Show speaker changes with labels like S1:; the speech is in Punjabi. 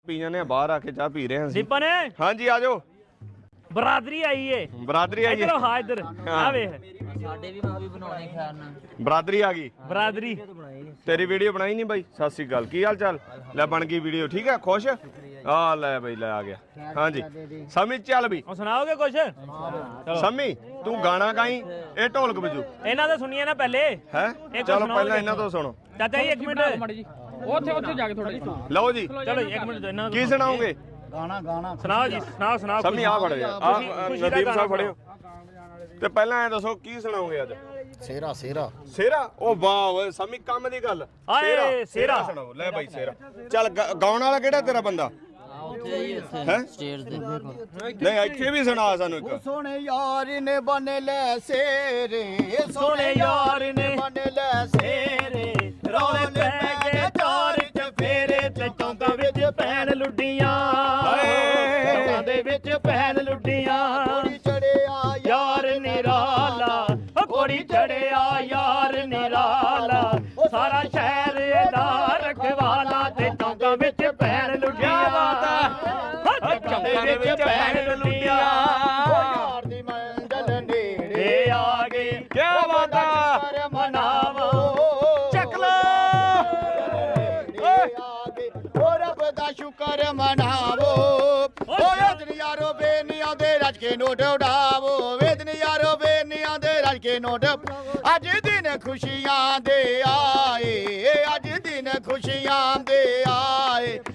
S1: ਪੀ ਜਾਂਦੇ ਆ ਬਾਹਰ ਆ ਕੇ ਚਾਹ ਪੀ ਰਹੇ ਹਾਂ ਅਸੀਂ।
S2: ਦੀਪਨ
S1: ਹਾਂਜੀ ਆ ਜਾਓ।
S2: ਬਰਾਦਰੀ ਆਈ ਏ
S1: ਬਰਾਦਰੀ ਆਈ
S2: ਇਧਰ ਹਾਂ ਇਧਰ ਆ ਵੇਖ
S3: ਸਾਡੇ ਵੀ ਮਾਂ ਵੀ ਬਣਾਉਣੇ ਖੈਰ ਨਾਲ
S1: ਬਰਾਦਰੀ ਆ ਗਈ।
S2: ਬਰਾਦਰੀ
S1: ਤੇਰੀ ਵੀਡੀਓ ਬਣਾਈ ਨਹੀਂ ਬਾਈ। ਸਤਿ ਸ੍ਰੀ ਅਕਾਲ, ਕੀ ਹਾਲ ਚਾਲ? ਲੈ ਬਣ ਗਈ ਵੀਡੀਓ, ਠੀਕ ਹੈ? ਖੁਸ਼ ਆ ਲੈ ਬਾਈ ਲੈ ਆ ਗਿਆ। ਹਾਂਜੀ ਸਮੀ ਚੱਲ ਵੀ
S2: ਉਹ ਸੁਣਾਓਗੇ ਕੁਛ ਚਲੋ
S1: ਸਮੀ ਤੂੰ ਗਾਣਾ ਗਾਈ, ਇਹ ਢੋਲਕ ਵਜੂ
S2: ਇਹਨਾਂ ਦਾ ਸੁਣੀਏ ਨਾ ਪਹਿਲੇ
S1: ਹੈ।
S2: ਇੱਕ
S1: ਚਲੋ
S2: ਸੁਣਾਓ
S1: ਪਹਿਲਾਂ
S2: ਜੀ।
S1: ਇਹਨਾਂ ਤੋਂ ਸੁਣੋ।
S2: ਚਾਚਾ ਜੀ ਇੱਕ ਮਿੰਟ
S3: ਉੱਥੇ ਜਾ ਕੇ ਥੋੜਾ ਜਿਹਾ
S1: ਲਓ ਜੀ
S2: ਚਲੋ ਇੱਕ ਮਿੰਟ ਇਹਨਾਂ
S1: ਕੀ ਸੁਣਾਓਗੇ?
S4: ਗਾਣਾ
S2: ਸੁਣਾਓ ਜੀ ਸੁਣਾਓ
S1: ਸਮੀ ਆ ਫੜ ਜਾ ਆ
S2: ਖੁਸ਼ੀ ਦਾ
S1: ਨਦੀਮ
S2: ਗਾਣਾ
S1: ਸਾਹਿਬ ਫੜਿਓ ਤੇ ਪਹਿਲਾਂ ਐ ਦੱਸੋ ਕੀ ਸੁਣਾਓਗੇ ਅੱਜ?
S4: ਸੇਰਾ ਸੇਰਾ
S1: ਸੇਰਾ। ਉਹ ਵਾਹ ਓਏ ਸਮੀ ਕੰਮ ਦੀ ਗੱਲ।
S2: ਆਏ ਸੇਰਾ
S1: ਸੁਣਾਓ। ਲੈ ਬਾਈ ਸੇਰਾ ਚੱਲ ਗਾਉਣ ਵਾਲਾ ਕਿਹੜਾ ਤੇਰਾ ਬੰਦਾ
S3: ਉੱਥੇ ਹੀ ਉੱਥੇ
S1: ਹੈ?
S3: ਸਟੇਜ ਤੇ
S1: ਨਹੀਂ ਇੱਥੇ ਵੀ ਸੁਣਾ ਸਾਨੂੰ ਇੱਕ।
S4: ਸੋਹਣੇ ਯਾਰ ਨੇ ਬਨ ਲੈ ਸੇਰੇ,
S2: ਸੋਹਣੇ ਯਾਰ ਨੇ
S4: ਬਨ ਲੈ
S2: ਸੇਰੇ ਰੌਲੇ ਪੈ ਗਏ ਚਾਰ ਚਫੇਰੇ ਤੇ ਚੌਂਕਾਂ ਵਿੱਚ ਪੈਣ ਲੁੱਡੀਆਂ ਚੌਂਕਾਂ ਦੇ ਵਿੱਚ ਪੈਣ ਲੁੱਡੀਆਂ
S4: ਕੋੜੀ ਚੜਿਆ
S2: ਯਾਰ ਨਿਰਾਲਾ ਓ ਕੋੜੀ ਚੜਿਆ ਯਾਰ ਨਿਰਾਲਾ ਸਾਰਾ ਸ਼ਹਿਰ ਦਾ ਰਖਵਾਲਾ ਤੇ ਚੌਂਕਾਂ ਵਿੱਚ ਪੈਣ ਲੁੱਡੀਆਂ ਚੌਂਕਾਂ ਦੇ ਵਿੱਚ ਪੈਣ ਲੁੱਡੀਆਂ
S4: ਯਾਰ ਦੀ ਮੰਜ਼ਲ ਨੇੜੇ
S2: ਏ ਆ ਗਈ
S1: ਕਿਆ ਬਾਤ ਆ।
S4: ਕਰ
S2: ਮਨਾਵੋ
S1: ਚੱਕ ਲੈ
S4: ਓ ਰੱਬ ਦਾ ਸ਼ੁਕਰ ਮਨਾਵੋ ਓ ਵੇਦਨ ਯਾਰੋ ਬੇਨੀਆਂ ਦੇ ਰੱਜ ਕੇ ਨੋਟ ਉਡਾਵੋ ਵੇਦਨ ਯਾਰੋ ਬੇਨੀਆਂ ਦੇ ਰੱਜ ਕੇ ਨੋਟ ਅੱਜ ਦਿਨ ਖੁਸ਼ੀਆਂ ਦੇ ਆਏ ਅੱਜ ਦਿਨ ਖੁਸ਼ੀਆਂ ਦੇ ਆਏ